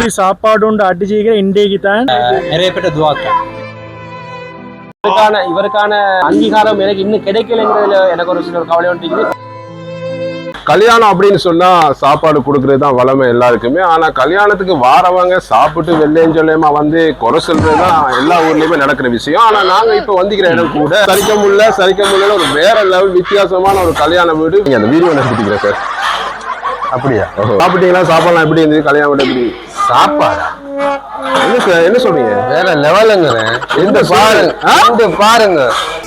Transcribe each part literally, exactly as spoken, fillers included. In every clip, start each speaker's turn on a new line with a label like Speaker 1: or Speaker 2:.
Speaker 1: சுப்ரி சாப்பாடு உண்டு அடிச்சுக்கிற இன்றைக்கு தான்
Speaker 2: நிறைய பேர் துவாக்க இவருக்கான இவருக்கான அங்கீகாரம் எனக்கு இன்னும் கிடைக்கலங்கிறதுல எனக்கு ஒரு சில கவலை ஒன்றிக்குது.
Speaker 3: கல்யாணம் அப்படின்னு சொன்னா சாப்பாடு கொடுக்கறது தான் வளமை எல்லாருக்குமே. ஆனா கல்யாணத்துக்கு வாரவங்க சாப்பிட்டு வெள்ளையும் சொல்லியமா வந்து குறை சொல்றது தான் எல்லா ஊர்லயுமே நடக்கிற விஷயம். ஆனா நாங்க இப்ப வந்துக்கிற இடம் கூட சரிக்க முடியல சரிக்க முடியல ஒரு வேற லெவல் வித்தியாசமான ஒரு கல்யாண வீடு. நீங்க அந்த வீடியோ நடத்திக்கிறேன் சார். அப்படியா? சாப்பிட்டீங்களா? சாப்பாடுலாம் எப்படி இருந்தது? கல்யாண வீடு எப்படி?
Speaker 2: சாப்பாடா
Speaker 3: என்ன சார் என்ன சொல்றீங்க?
Speaker 2: வேற லெவலுங்க. இந்த பாருங்க இந்த பாருங்க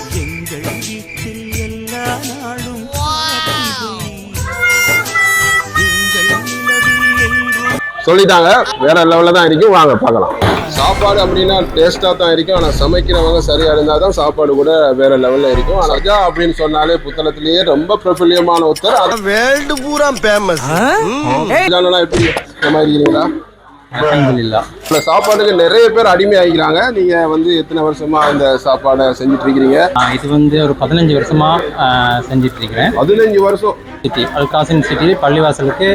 Speaker 3: சொல்லிட்டாங்க வேற லெவல்ல தான் இருக்கும். வாங்க பார்க்கலாம். சாப்பாடு அப்படின்னா டேஸ்டா தான் இருக்கும். ஆனா சமைக்கிறவங்க சரியா இருந்தா தான் சாப்பாடு கூட வேற லெவல்ல இருக்கும். ஆனா ரஜா அப்படின்னு சொன்னாலே புத்தளத்திலேயே ரொம்ப பிரபல்யமான ஒருத்தர். அது
Speaker 4: வேர்ல்டு பூரா ஃபேமஸ்.
Speaker 3: எப்படி சமாளிக்கிறீங்களா?
Speaker 2: அல்ஹம்துலில்லாஹ்.
Speaker 3: சாப்பாடுக்கு நிறைய பேர் அடிமை ஆகிக்கிறாங்க. நீங்க வந்து எத்தனை வருஷமா இந்த சாப்பாடை செஞ்சுட்டு இருக்கிறீங்க?
Speaker 2: இது வந்து ஒரு பதினஞ்சு வருஷமா செஞ்சுட்டு இருக்கிறேன்.
Speaker 3: பதினஞ்சு வருஷம்
Speaker 2: சிட்டி அல்காசின் சிட்டி பள்ளிவாசலுக்கு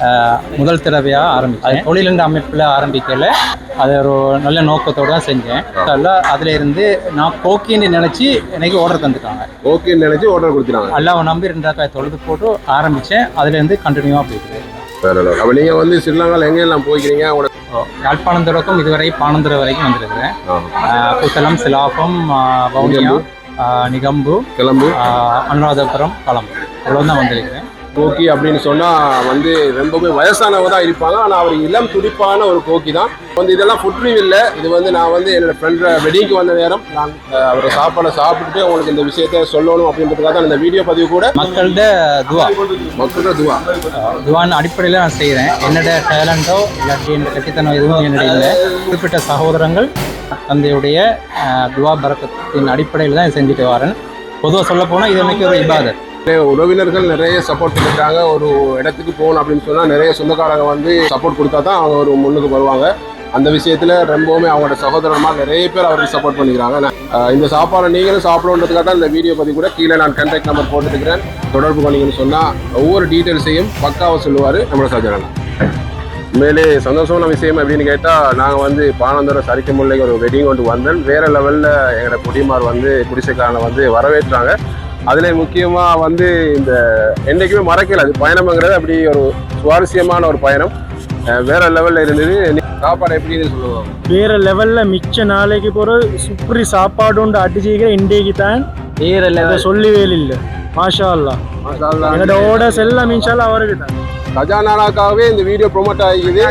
Speaker 2: முதல் தடவையாக ஆரம்பித்தேன். தொழிலண்ட அமைப்பில் ஆரம்பிக்கல, அது ஒரு நல்ல நோக்கத்தோடு தான் செஞ்சேன். அதில் இருந்து நான் கோக்கின்னு நினச்சி எனக்கு ஆர்டர் தந்துட்டாங்க.
Speaker 3: ஓகேன்னு நினச்சி ஆர்டர் கொடுத்துட்டாங்க.
Speaker 2: அல்லாவை நம்பி ரெண்டாக்காய் தொழுது போட்டு ஆரம்பித்தேன். அதுலேருந்து கண்டினியூவாக போயிட்டு.
Speaker 3: அப்போ நீங்கள் வந்து ஸ்ரீலங்காவில் எங்கெல்லாம் போய்க்கிறீங்க?
Speaker 2: யாழ்ப்பாணம் இதுவரை பானந்துறை வரைக்கும் வந்திருக்கிறேன். புத்தளம், சிலாபம், வவுனியா, நிகம்பு,
Speaker 3: கிளம்பு,
Speaker 2: அனுராதபுரம், கலம்பு இவ்வளோ தான் வந்திருக்கிறேன்.
Speaker 3: கோக்கி அப்படின்னு சொன்னால் வந்து ரொம்பவே வயசானவங்க தான் இருப்பாங்க. ஆனால் அவர் இளம் துடிப்பான ஒரு கோக்கி தான். வந்து இதெல்லாம் ஃபுட் ரிவ்யூ இல்லை. இது வந்து நான் வந்து என்னோட ஃப்ரெண்ட் வெட்டிங்க்கு வந்த நேரம் நான் அவரை சாப்பாடை சாப்பிட்டுட்டு உங்களுக்கு இந்த விஷயத்த சொல்லணும் அப்படின்றதுக்காக தான் இந்த வீடியோ பதிவு கூட.
Speaker 2: மக்கள்கிட்ட துவா
Speaker 3: மக்கள்கிட்ட துவா
Speaker 2: துவான்னு அடிப்படையில் நான் செய்கிறேன். என்னோட டேலண்டோ இல்லாட்டி என்னோட கட்டித்தனம் எதுவும் என்னுடைய இல்லை. குறிப்பிட்ட சகோதரங்கள் தந்தையுடைய துவா பரக்கத்தின் அடிப்படையில் தான் செஞ்சுட்டு வரேன். பொதுவாக சொல்ல போனால் இது எனக்கு ஒரு இபாதத்.
Speaker 3: உறவினர்கள் நிறைய சப்போர்ட் பண்ணிட்டாங்க. ஒரு இடத்துக்கு போகணும் அப்படின்னு சொன்னால் நிறைய சொந்தக்காரங்க வந்து சப்போர்ட் கொடுத்தா தான் அவங்க ஒரு முன்னுக்கு வருவாங்க. அந்த விஷயத்தில் ரொம்பவுமே அவங்களோட சகோதரமாக நிறைய பேர் அவருக்கு சப்போர்ட் பண்ணிக்கிறாங்க. இந்த சாப்பாடை நீங்களும் சாப்பிடணுன்றதுக்காக தான் இந்த வீடியோ பற்றி கூட கீழே நான் கான்டாக்ட் நம்பர் போட்டுருக்கிறேன். தொடர்பு பண்ணிங்கன்னு சொன்னால் ஒவ்வொரு டீட்டெயில்ஸையும் பக்காவாக சொல்லுவார் நம்மளோட சஜனா. உண்மையிலே சந்தோஷமான விஷயம் அப்படின்னு கேட்டால் நாங்கள் வந்து பானந்தோட சரிக்க முல்லைக்கு ஒரு வெட்டிங் கொண்டு வந்தேன். வேறு லெவலில் எங்களோட குடிமார் வந்து குடிசைக்காரனை வந்து வரவேற்றாங்க. அதில் முக்கியமாக வந்து இந்த என்றைக்குமே மறக்கல அது பயணம்ங்கிறது அப்படி ஒரு சுவாரஸ்யமான ஒரு பயணம். வேற லெவலில் இருந்தது. சாப்பாடு எப்படின்னு சொல்லுவாங்க.
Speaker 1: வேற லெவலில் மிச்ச நாளைக்கு போகிற சுப்ரி சாப்பாடு உண்டு அடிச்சுக்கிற இன்றைக்கு தான் வேற லெவல் சொல்லவே இல்லை. மாஷா அல்லா என்னோட ஓடர்ஸ் எல்லாம் இன்ஷால்லா அவருக்கு தான்.
Speaker 3: கஜானாக்காகவே இந்த வீடியோ ப்ரொமோட் ஆகிக்குது.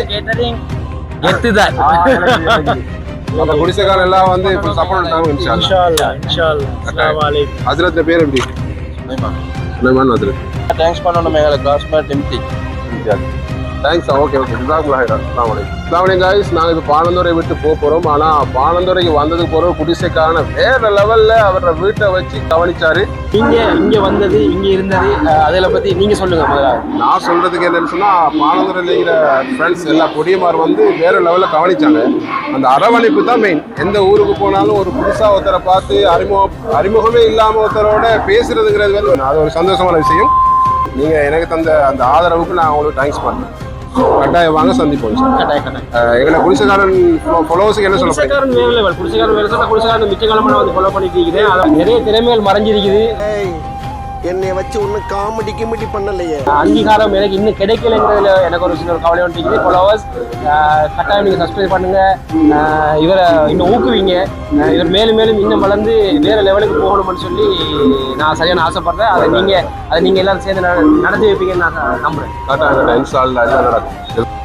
Speaker 3: நம்ம குடிசைக்காரன் எல்லாம் வந்து இப்போ சப்போர்ட் பண்ணாங்க.
Speaker 1: இன்ஷா அல்லாஹ் இன்ஷா அல்லாஹ். அஸ்ஸலாமு அலைக்கும்.
Speaker 3: ஹஜ்ரத் பேர் எப்படி? சுலைமான் ஹஜ்ரத்.
Speaker 4: தேங்க்ஸ் பண்ணணும் மேல காஸ்மெட் எம்டி.
Speaker 3: தேங்க்ஸ். ஓகே ஓகே ஜஸாக்குல்லாஹ் ஹைரன். அஸ்ஸலாமு அலைக்கும். அஸ்ஸலாமு அலைக்கும் गाइस. நாங்கள் இப்போ பானந்துறை விட்டு போக போகிறோம். ஆனால் பானந்துறைக்கு வந்ததுக்கு போகிற குடிசைக்காரன வேற லெவலில் அவரோட வீட்டை வச்சு கவனிச்சாரு.
Speaker 2: இங்கே இங்கே வந்தது இங்கே இருந்தது அதில் பற்றி நீங்கள் சொல்லுங்கள் முதலாவது.
Speaker 3: நான் சொல்கிறதுக்கு என்னென்னு சொன்னால் பானந்துறையில் இருக்கிற ஃப்ரெண்ட்ஸ் எல்லா கொடியமார் வந்து வேற லெவலில் கவனிச்சாங்க. அந்த அரவணைப்பு தான் மெயின். எந்த ஊருக்கு போனாலும் ஒரு புதுசாக ஒருத்தரை பார்த்து அறிமுகம் அறிமுகமே இல்லாமல் ஒருத்தரோட பேசுறதுங்கிறது வந்து அது ஒரு சந்தோஷமான விஷயம். நீங்கள் எனக்கு தந்த அந்த ஆதரவுக்கு நான் உங்களுக்கு தேங்க்ஸ் பண்ணுறேன். கட்டாயம் வாங்க சந்திப்போம். எங்களை குடிசைக்காரன் ஃபாலோவர்ஸுக்கு என்ன சொல்ல
Speaker 2: குடிசைக்காரன் வேற லெவல். குடிசைக்காரன் வேற சொன்னா குடிசைக்காரன் மிச்ச காலமாக நான் வந்து ஃபாலோ பண்ணிட்டு இருக்கிறேன். நிறைய திறமைகள் மறைஞ்சிருக்குது.
Speaker 4: என்னை வச்சு ஒன்றும் காமெடி கிமெடி பண்ணலையே.
Speaker 2: அங்கீகாரம் எனக்கு இன்னும் கிடைக்கலங்கிறதுல எனக்கு ஒரு சில கவலை ஒன்றிக்குது. ஃபாலோவர்ஸ் கட்டாயம் நீங்கள் சப்ஸ்கிரைப் பண்ணுங்க. இவரை இன்னும் ஊக்குவிங்க. இவர் மேலும் மேலும் இன்னும் வளர்ந்து வேற லெவலுக்கு போகணும்னு சொல்லி நான் சரியான ஆசைப்படுறேன். அதை நீங்கள் அதை நீங்கள் எல்லாரும் சேர்ந்து நடத்தி வைப்பீங்கன்னு நான் நம்புறேன்.
Speaker 3: கட்டாயம் இன்ஷா அல்லாஹ் எல்லாம் நடக்கும்.